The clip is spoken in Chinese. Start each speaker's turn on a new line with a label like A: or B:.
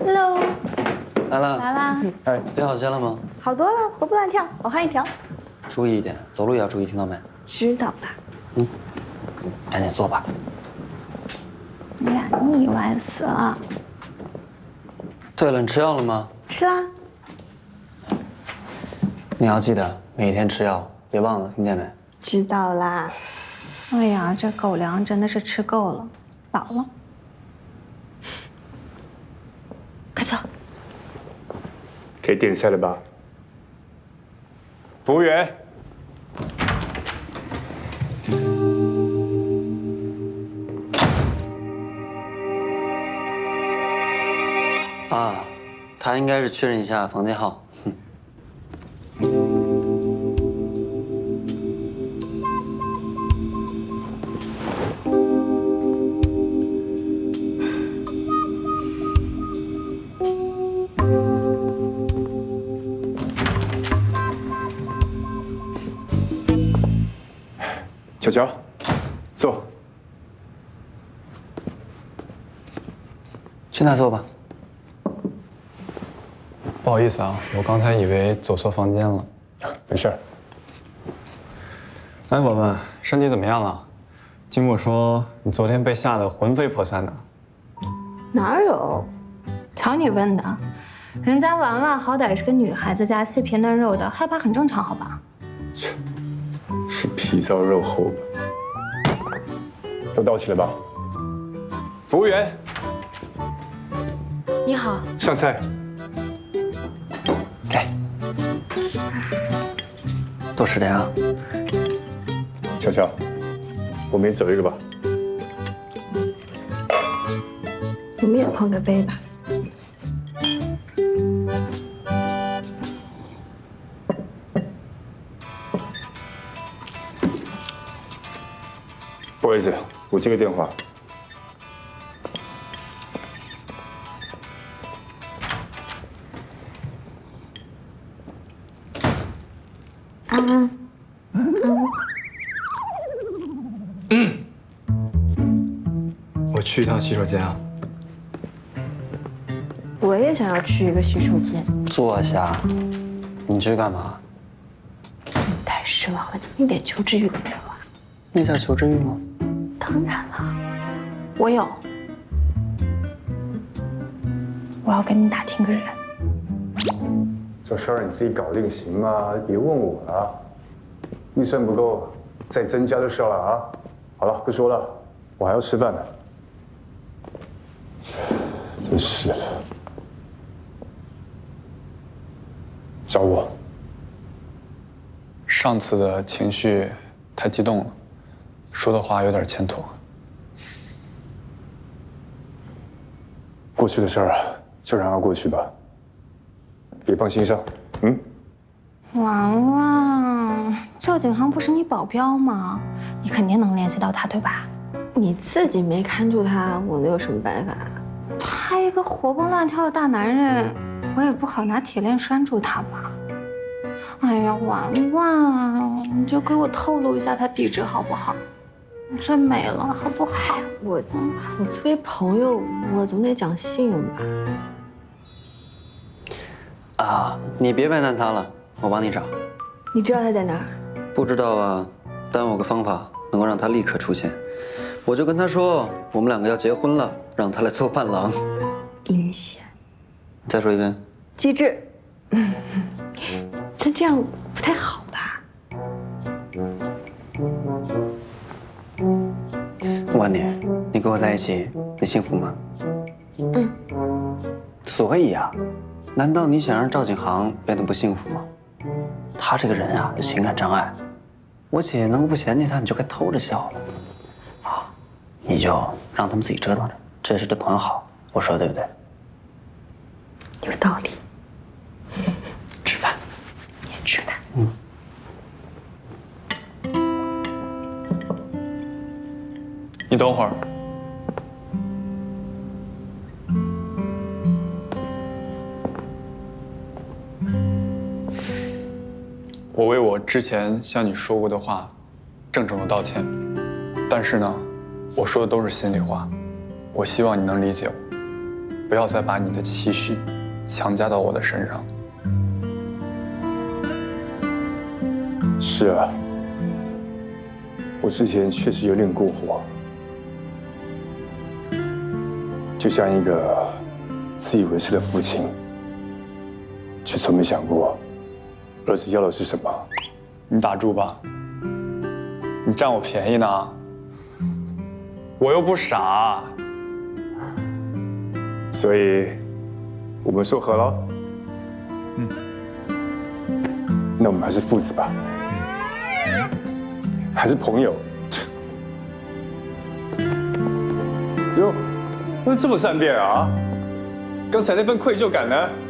A: Hello，
B: 来了，
A: 来啦！
B: 哎，备好先了吗？
A: 好多了，活蹦乱跳，我换一条。
B: 注意一点，走路也要注意，听到没？
A: 知道的。
B: 嗯，赶紧坐吧。
A: 哎呀，腻歪死了。
B: 对了，你吃药了吗？
A: 吃啦。
B: 你要记得每天吃药，别忘了，听见没？
A: 知道啦。哎呀，这狗粮真的是吃够了，饱了。快走。
C: 可以点菜了吧？服务员。
B: 啊，他应该是确认一下房间号。
C: 巧巧，坐。
B: 去那坐吧。
D: 不好意思啊，我刚才以为走错房间了。
C: 没事儿。
D: 哎，文文，身体怎么样了？经过说你昨天被吓得魂飞魄散的。
A: 哪有？瞧你问的，人家婉婉好歹是个女孩子家，细皮嫩肉的，害怕很正常，好吧？
C: 切，是皮糙肉厚吧？都到齐了吧？服务员，
A: 你好。
C: 上菜。
B: 给，多吃点啊。
C: 巧巧，我们也走一个吧。
A: 我们也碰个杯吧。
C: 不好意思，我接个电话。
A: 安安。
D: 我去一趟洗手间啊。
A: 我也想要去一个洗手间。
B: 坐下。你去干嘛？
A: 太失望了，怎么一点求知欲都没有啊？
B: 那叫求知欲吗？
A: 当然了，我有。我要跟你打听个人。
C: 这事儿你自己搞定行吗？别问我了。预算不够，再增加就是了啊。好了，不说了，我还要吃饭呢。真是的。找我。
D: 上次的情绪太激动了，说的话有点欠妥。
C: 过去的事儿啊，就让它过去吧，别放心上。
A: 婉婉，赵景航不是你保镖吗？你肯定能联系到他，对吧？
E: 你自己没看住他，我能有什么办法？
A: 他一个活蹦乱跳的大男人，我也不好拿铁链拴住他吧。哎呀，婉婉，你就给我透露一下他地址好不好？你最美了，好不好？
E: 我作为朋友，我总得讲信用吧。
B: 啊，你别为难他了，我帮你找。
E: 你知道他在哪儿？
B: 不知道啊，但我有个方法能够让他立刻出现。我就跟他说，我们两个要结婚了，让他来做伴郎。
E: 阴险。
B: 再说一遍。
E: 机智。但这样不太好吧？
B: 我问你，你跟我在一起，你幸福吗？所以呀，难道你想让赵景航变得不幸福吗？他这个人啊，有情感障碍。我姐能够不嫌弃他，你就该偷着笑了。啊，你就让他们自己折腾着，这也是对朋友好。我说的对不对？
E: 有道理。
B: 吃饭。
E: 也吃饭。
D: 你等会儿。我为我之前向你说过的话，郑重的道歉。但是呢，我说的都是心里话，我希望你能理解我。
F: 不要再把你的期许强加到我的身上。
C: 是啊，我之前确实有点过火，就像一个自以为是的父亲，却从没想过儿子要的是什么。
F: 你打住吧，你占我便宜呢，我又不傻。
C: 所以，我们说和了。那我们还是父子吧，还是朋友。哟，怎么这么善变啊？刚才那份愧疚感呢？